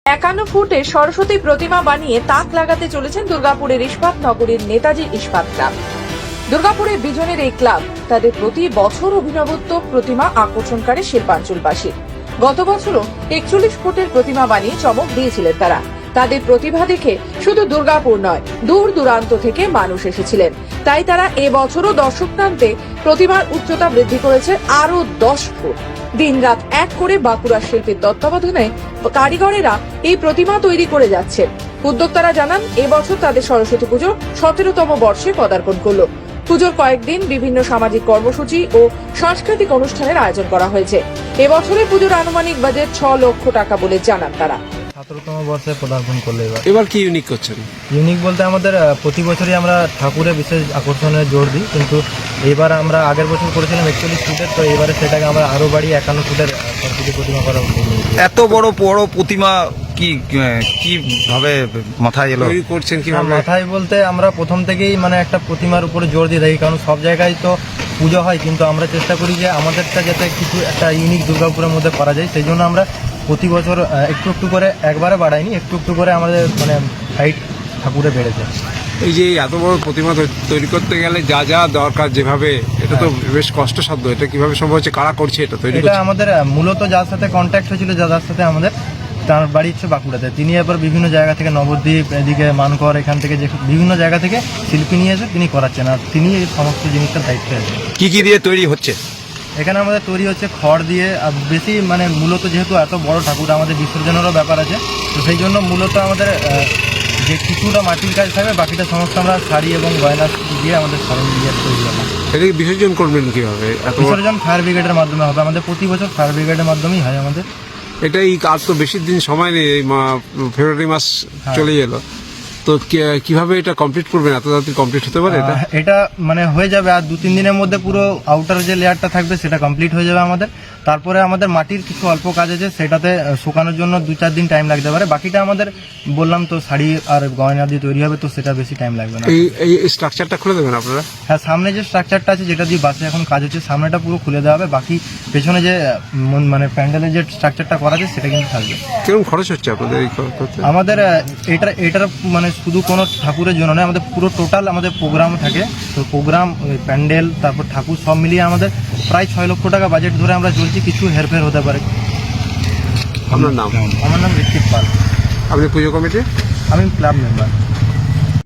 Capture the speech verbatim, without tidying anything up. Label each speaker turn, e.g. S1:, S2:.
S1: একান্ন ফুটে সরস্বতী প্রতিমা বানিয়ে তাক লাগাতে চলেছেন দুর্গাপুরের ইস্পাত নগরীর নেতাজি ইস্পাত ক্লাব। দুর্গাপুরের বিজনের এই ক্লাব তাদের প্রতি বছর অভিনবত্ব প্রতিমা আকর্ষণ করে শিল্পাঞ্চলবাসী। গত বছরও একচল্লিশ ফুটের প্রতিমা বানিয়ে চমক দিয়েছিলেন তারা। তাদের প্রতিভা দেখে শুধু দুর্গাপুর নয়, দূর দূরান্ত থেকে মানুষ এসেছিলেন। তাই তারা এবছরও দর্শক টানতে প্রতিমার উচ্চতা বৃদ্ধি করেছে আরো দশ ফুট। দিনরাত এক করে বাঁকুড়ার শিল্পীর তত্ত্বাবধানে কারিগরেরা এই প্রতিমা তৈরি করে যাচ্ছেন। উদ্যোক্তারা জানান, এবছর তাদের সরস্বতী পুজো সতেরোতম বর্ষে পদার্পণ করল। পুজোর কয়েকদিন বিভিন্ন সামাজিক কর্মসূচি ও সাংস্কৃতিক অনুষ্ঠানের আয়োজন করা হয়েছে। এবছরে পুজোর আনুমানিক বাজেট ছ লক্ষ টাকা বলে জানান তারা।
S2: সতেরোতম বর্ষে পদার্পণ করলে এবার
S3: এবার কি ইউনিক করছেন?
S2: ইউনিক বলতে আমাদের আহ, প্রতি বছরই আমরা ঠাকুরের বিশেষ আকর্ষণে জোর দিই, কিন্তু এবার আমরা আগের বছর করেছিলাম একচল্লিশ ফুটের, তো এবারে সেটাকে আমরা আরো বাড়ি একান্ন ফুটের আহ, সরস্বতী প্রতিমা করা উদ্যোগ নিয়েছি।
S4: এত বড় বড় প্রতিমা কি কি ভাবে মাথায় এলো?
S3: তৈরি করছেন
S2: আর
S3: কিভাবে?
S2: মাথায় বলতে আমরা প্রথম থেকেই মানে একটা প্রতিমার উপরে জোর দিয়ে থাকি, কারণ সব জায়গায় তো পুজো হয়, কিন্তু আমরা চেষ্টা করি যে আমাদেরটা যাতে কিছু একটা ইউনিক দুর্গাপুরের মধ্যে করা যায়। সেই জন্য আমরা প্রতি বছর আহ, একটু একটু করে, একবারে বাড়াইনি, একটু একটু করে আমাদের মানে হাইট ঠাকুরে বেড়েছে।
S3: এই যে এত বড় প্রতিমা তৈ- তৈরি করতে গেলে যা যা দরকার, যেভাবে এটা তো বেশ কষ্টসাধ্য, এটা কিভাবে সম্ভব হচ্ছে? কারা করছে এটা তৈরি
S2: এটা
S3: করছে?
S2: আমাদের আহ, মূলত যার সাথে কন্ট্যাক্ট হয়েছিল, যার সাথে আমাদের, তার বাড়ি হচ্ছে বাঁকুড়াতে। তিনি এবার বিভিন্ন জায়গা থেকে, নবদ্বীপ, এদিকে মানকর, এখান থেকে যে বিভিন্ন জায়গা থেকে শিল্পী নিয়ে এসে তিনি করাচ্ছেন, আর তিনি এই সমস্ত জিনিসটার দায়িত্বে আছেন।
S4: কি কি দিয়ে তৈরি হচ্ছে?
S2: এখানে আমাদের তৈরি হচ্ছে খড় দিয়ে, আর বেশি মানে মূলত যেহেতু এত বড় ঠাকুর, আমাদের বিসর্জনেরও ব্যাপার আছে, তো সেই জন্য মূলত আমাদের আহ, যে কিছুটা মাটির কাজ থাকবে, বাকিটা সমস্ত আমরা শাড়ি এবং গয়না দিয়ে আমাদের সারণ দিয়ে তৈরি হবে।
S3: এটাকে বিসর্জন করবেন কিভাবে? এত বড়-
S2: বিসর্জন ফায়ার ব্রিগেডের মাধ্যমে হবে আমাদের, প্রতি বছর ফায়ার ব্রিগেডের মাধ্যমেই হয় আমাদের।
S3: এটা এই কাজ তো বেশি দিন সময় নেই, এই মা- ফেব্রুয়ারি মাস
S2: হ্যাঁ।
S3: চলে এলো, তো কি- কিভাবে এটা কমপ্লিট করবেন? এত তাড়াতাড়ি কমপ্লিট হতে পারে এটা?
S2: আহ, এটা মানে হয়ে যাবে আর দু তিন দিনের মধ্যে, পুরো আউটার যে লেয়ারটা থাকবে সেটা কমপ্লিট হয়ে যাবে আমাদের। তারপরে আমাদের মাটির কিছু অল্প কাজ আছে, সেটাতে আহ, শুকানোর জন্য দু চার দিন টাইম লাগতে পারে। বাকিটা আমাদের বললাম তো শাড়ি আর গয়না দিয়ে তৈরি হবে, তো সেটা বেশি টাইম লাগবে না।
S3: এই এই স্ট্রাকচারটা খুলে দেবেন আপনারা?
S2: হ্যাঁ, সামনে যে স্ট্রাকচারটা আছে, যেটা দিয়ে বাসে এখন কাজ হচ্ছে, সামনেটা পুরো খুলে দেওয়া হবে। বাকি পেছনে যে আহ, মন- মানে প্যান্ডেলের যে স্ট্রাকচারটা করা আছে সেটা কিন্তু থাকবে।
S3: কিরকম খরচ হচ্ছে আপনাদের এই করতে?
S2: আমাদের আহ, এটা এটার মানে শুধু কোনো ঠাকুরের জন্য নয়, আমাদের পুরো টোটাল আমাদের প্রোগ্রাম থাকে, তো প্রোগ্রাম, প্যান্ডেল, তারপর ঠাকুর সব মিলিয়ে আমাদের প্রায় ছয় লক্ষ টাকা বাজেট ধরে আমরা চলছি। কিছু হেরফের হতে পারে।
S3: আপনার নাম?
S2: আমার নাম ঋত্বিক পাল,
S3: আপনি পুজো কমিটি?
S2: আমি ক্লাব মেম্বার।